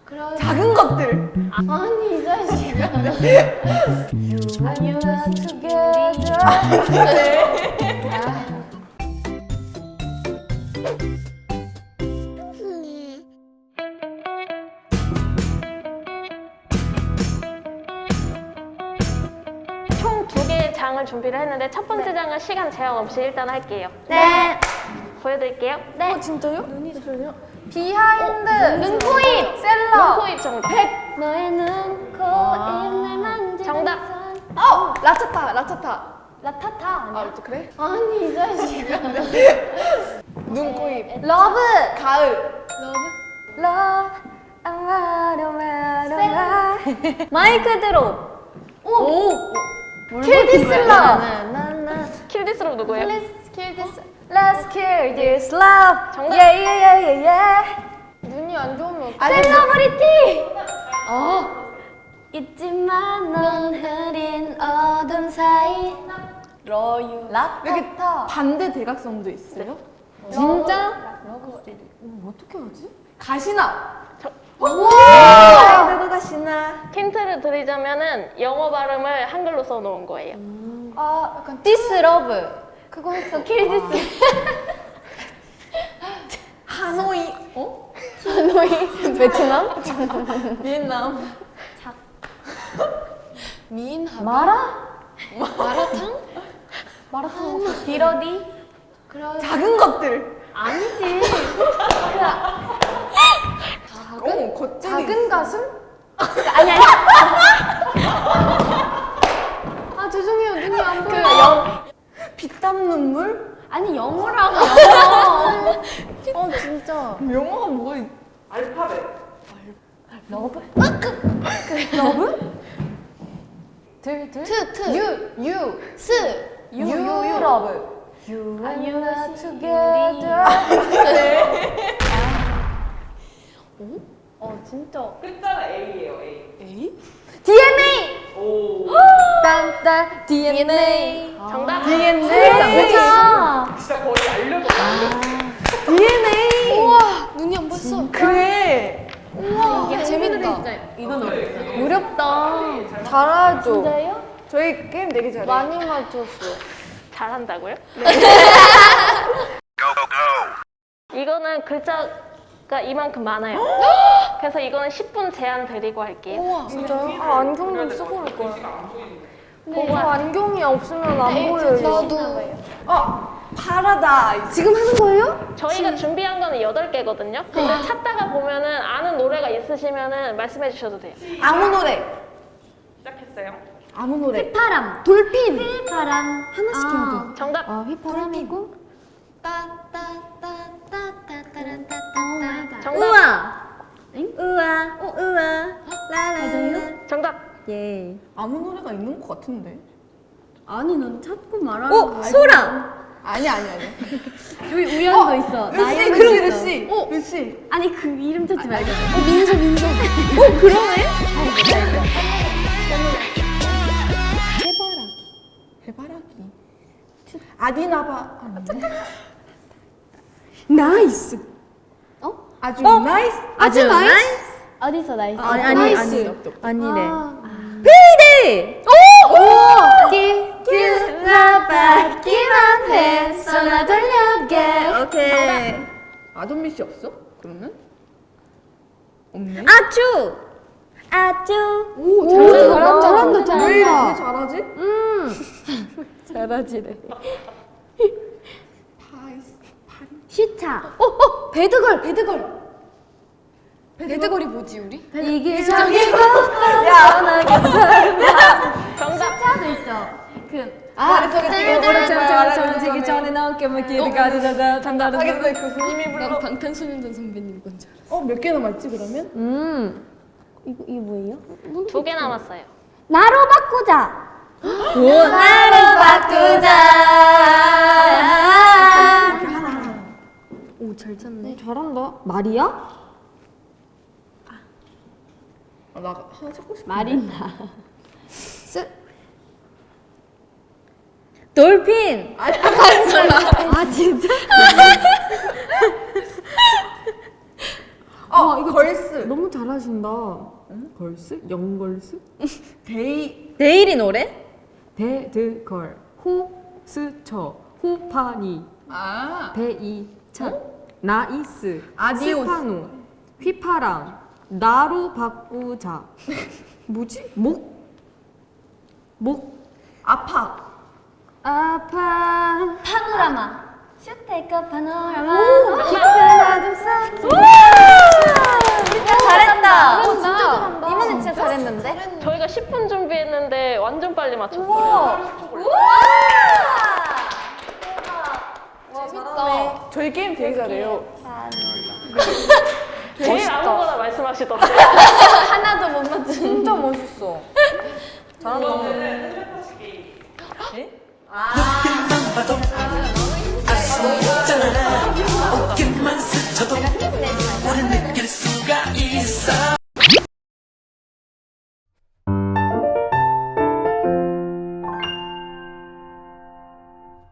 작은 것들. 아니 이 자식아. You are together. 총 2개의 장을 준비를 했는데 첫 번째 장은 시간 제한 없이 일단 할게요. 네. 보여드릴게요. 네. 진짜요? 비하인드. 눈코입. 셀러. 눈코입 정답. 너의 눈코입을 만지는 정답. 라차타, 라차타. 라타타 아, 아니야? 또 그래? 아니 이 자식아. 눈, 코, 입. 러브. 가을. 러브. 마이크 드롭. 오! Kill this love. 킬디스로 누구예요? Let's kill this. Let's kill this love. 정답. Yeah yeah yeah yeah yeah. 눈이 안 좋으면 어떡해? 셀러브리티. 있지만 넌 흐린 어둠 사이. 러유. 이렇게 반대 대각선도 있어요? 진짜? 어떻게 하지? 가시나. 누구 가시나? 힌트를 드리자면은 영어 발음을 한글로 써놓은 거예요. 아, 약간 This love. 그거 했어. Kill this. 하노이. 어? 하노이. 베트남? 비엔남. 미인하다. 마라탕? 마라탕. 디러디? 작은 것들. 아니지. 겉절이. 작은 가슴? 아니. 아 죄송해요 눈이 안 보여. 피땀 눈물? 아니 영어라고 영어. 진짜. 영어가 뭐가 있... 러브? 러브? 트. 유. 스. 유 러브. You are together. 진짜. 끝자가 A예요, A. 에이? DNA. 오. 딴딴 DNA. 정답. DNA. 진짜 거의 알려줬다. DNA. 우와 눈이 안 보였어. 그래. 이게 재밌다. 이건 어렵다. 어렵다. 잘하죠. 진짜요? 저희 게임 되게 잘해요. 많이 맞췄어. 잘한다고요? 이거는 글자가 이만큼 많아요. 그래서 이거는 10분 제한 드리고 할게요. 우와 진짜요? 아, 안경도 쓰고 올 거야. 보고 저 안경이 없으면 안 보여요. 나도. 파라다이스. 지금 하는 거예요? 저희가 준비한 거는 8개거든요. 근데 찾다가 보면은 아는 노래가 있으시면은 말씀해 주셔도 돼요. 아무 노래. 시작했어요. 아무 노래. 휘파람. 돌핀. 휘파람. 하나씩 해야 돼. 정답. 휘파람이고. 정답. 우와. 우와. 라라라. 정답. 예. 아무 노래가 있는 것 같은데. 아니 넌 찾고 말하는 거야. 소라. 아니. 여기 우연도 있어. 루시, 그러게 루시. 루시. 아니 그 이름 찾지 말자. 민서. 그러네. 해바라기. 아디나바. 나이스. 아주 나이스. 아주 나이스. 어디서 나이스? 아니래. 페이데이. 오. 기라받기만 해. 손을 돌려게. 오케이. 아돈미 씨 없어? 그러면? 없네. 아주. 오, 잘한다. 왜 이렇게 잘하지? 잘하지래. 파이스. 슈차. 배드걸. 배드걸이 뭐지 우리? 이게 저기 정답. 슈차도 있죠. 그 저기 전에 나올게 뭐 기회가 되다 단다른. 하겠다. 교수님이 불러. 방탄소년단 선배님 건줄. 몇 개 남았지 그러면? 이게 뭐예요? 2개 남았어요. 나로 바꾸자. 나로 바꾸자. 오, 잘 찾네. 잘한다. 말이야? 나 하나 찾고 싶어. 말이나. 돌핀. 아 진짜? 이거 걸스. 너무 잘하신다. 걸스? 영걸스? 데일이 노래? 데드걸 호스처 호파니 베이찬 나이스 아디오스. 스파노 휘파람 나로 바꾸자 뭐지? 목 아파. 아파 파노라마. 슈테이크 파노라마. 진짜 잘했다. 진짜 잘한다. 이번엔 진짜 잘했는데? 저희가 10분 준비했는데 완전 빨리 맞췄어요. 재밌다. 저희 게임 되게 잘해요. 제일 아무거나 말씀하시던데. 하나도 못 맞춘. 진짜 멋있어. 이거는 텔레파시 게임. 봐도 알 수 있잖아.